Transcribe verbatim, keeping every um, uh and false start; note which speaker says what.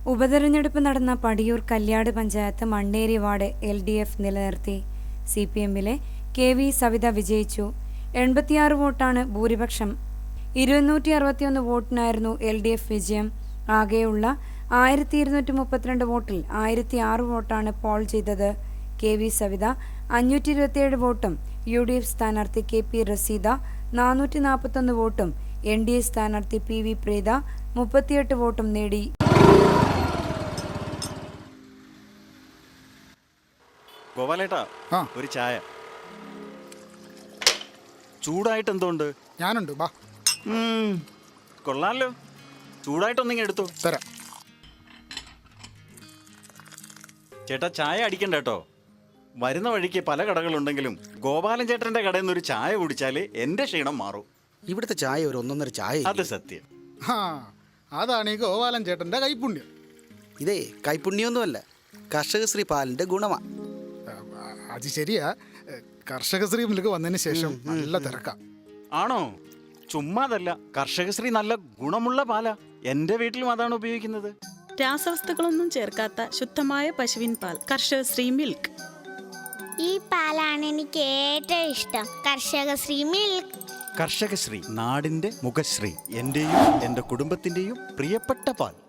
Speaker 1: ഉപതെരഞ്ഞെടുപ്പ് നടന്ന Padiyoor Kalliad panchayat Manneri ward L D F നിലനിർത്തി. സി പി എമ്മിലെ കെ വി സവിത വിജയിച്ചു. എൺപത്തിയാറ് വോട്ടാണ് ഭൂരിപക്ഷം. ഇരുന്നൂറ്റി അറുപത്തിയൊന്ന് വോട്ടിനായിരുന്നു എൽ ഡി എഫ് വിജയം. ആകെയുള്ള ആയിരത്തി ഇരുന്നൂറ്റി മുപ്പത്തിരണ്ട് വോട്ടിൽ ആയിരത്തി ആറ് വോട്ടാണ് പോൾ ചെയ്തത്. കെ വി സവിത അഞ്ഞൂറ്റി ഇരുപത്തിയേഴ് വോട്ടും യു ഡി എഫ് സ്ഥാനാർത്ഥി കെ പി റസീദ നാനൂറ്റി നാൽപ്പത്തൊന്ന് വോട്ടും എൻ ഡി എ സ്ഥാനാർത്ഥി പി വി പ്രീത മുപ്പത്തിയെട്ട് വോട്ടും നേടി.
Speaker 2: ഗോപാലേട്ടാ, ഒരു ചായ. ചൂടായിട്ട് എന്തുകൊണ്ട്?
Speaker 3: ഞാനുണ്ട്, ബാ.
Speaker 2: കൊള്ളാലോ, ചൂടായിട്ടൊന്നിങ്ങനെ എടുത്തോ.
Speaker 3: തരാം.
Speaker 2: ചേട്ടാ, ചായ അടിക്കണ്ട കേട്ടോ. വരുന്ന വഴിക്ക് പല കടകളുണ്ടെങ്കിലും ഗോപാലൻ ചേട്ടന്റെ കടയിൽ നിന്ന് ഒരു ചായ കുടിച്ചാല് എന്റെ ക്ഷീണം മാറും.
Speaker 4: ഇവിടുത്തെ ചായ ഒരു ഒന്നൊന്നര ചായ.
Speaker 2: അത് സത്യം.
Speaker 3: ആ, അതാണ് ഈ ഗോപാലൻ ചേട്ടന്റെ കൈപ്പുണ്യം.
Speaker 4: ഇതേ കൈപ്പുണ്യൊന്നുമല്ല, കർഷകശ്രീ പാലിന്റെ ഗുണമാ.
Speaker 3: അത് ശരിയാ. കർഷകശ്രീ മിൽക്ക് വന്നതിന് ശേഷം നല്ല തിരക്കാം.
Speaker 2: ആണോ? ചുമ്മാതല്ല, കർഷകശ്രീ നല്ല ഗുണമുള്ള പാലാ. എന്റെ വീട്ടിലും അതാണ് ഉപയോഗിക്കുന്നത്.
Speaker 5: രാസവസ്തുക്കളൊന്നും ചേർക്കാത്ത ശുദ്ധമായ പശുവിൻ പാൽ, കർഷകശ്രീ മിൽക്ക്.
Speaker 6: ഈ പാലാണ് എനിക്ക് ഏറ്റവും ഇഷ്ടം, കർഷകശ്രീ മിൽക്ക്.
Speaker 2: കർഷകശ്രീ, നാടിന്റെ മുഖശ്രീ, എന്റെയും എന്റെ കുടുംബത്തിന്റെയും പ്രിയപ്പെട്ട പാൽ.